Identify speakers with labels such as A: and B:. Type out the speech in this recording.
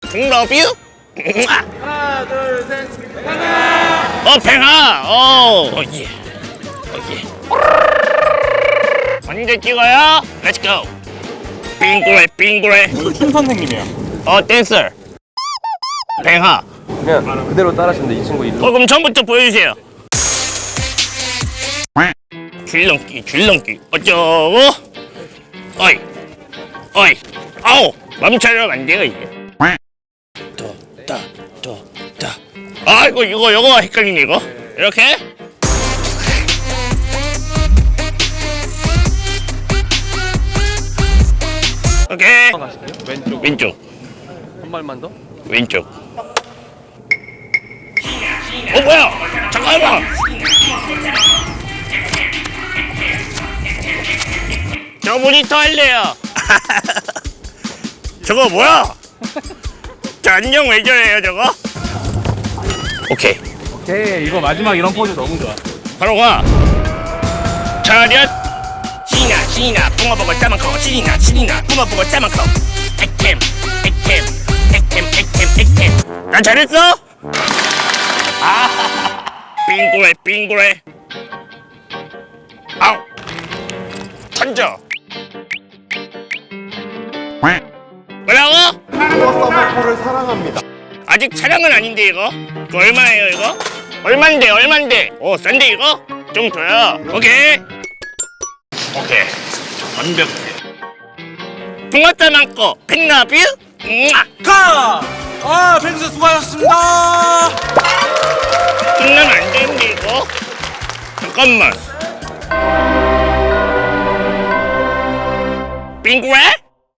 A: love you.
B: 하나, 둘, 셋.
A: 팽아. 예. 언제 찍어요? Let's go. 빙그레.
C: 춤 선생님이에요.
A: 댄서. 팽아.
D: 그냥 그대로 따라하시는데 이 친구 이름.
A: 그럼 처음부터 보여주세요. 줄넘기. 어쩌고? 어이. 아우, 맘처럼 안 돼요 이게. 다. 이거 헷갈리네 이거. 이렇게. 오케이. 왼쪽.
D: 한 발만 더.
A: 왼쪽. 뭐야? 잠깐만. 저 모니터 할래요. 저거 뭐야? 저 안녕 왜 저래요 저거? 오케이.
C: 이거 마지막 이런 포즈 너무 좋아.
A: 바로 가. 차렷. 신이나 붕어보고 짜만커. 신이나 붕어보고 짜만커. 액템. 난 잘했어? 빙그레. 아우. 던져. 뭐라고?
B: 서머코를 사랑합니다.
A: 아직 촬영은 아닌데 이거? 그거 얼마예요 이거? 얼만데? 싼데 이거? 좀 줘요. 오케이. 완벽해. 붕어짜 많고 팬러뷰?
C: 가! 팬스 수고하셨습니다.
A: 끝나면 안 되는데 이거? 잠깐만. 빙그레?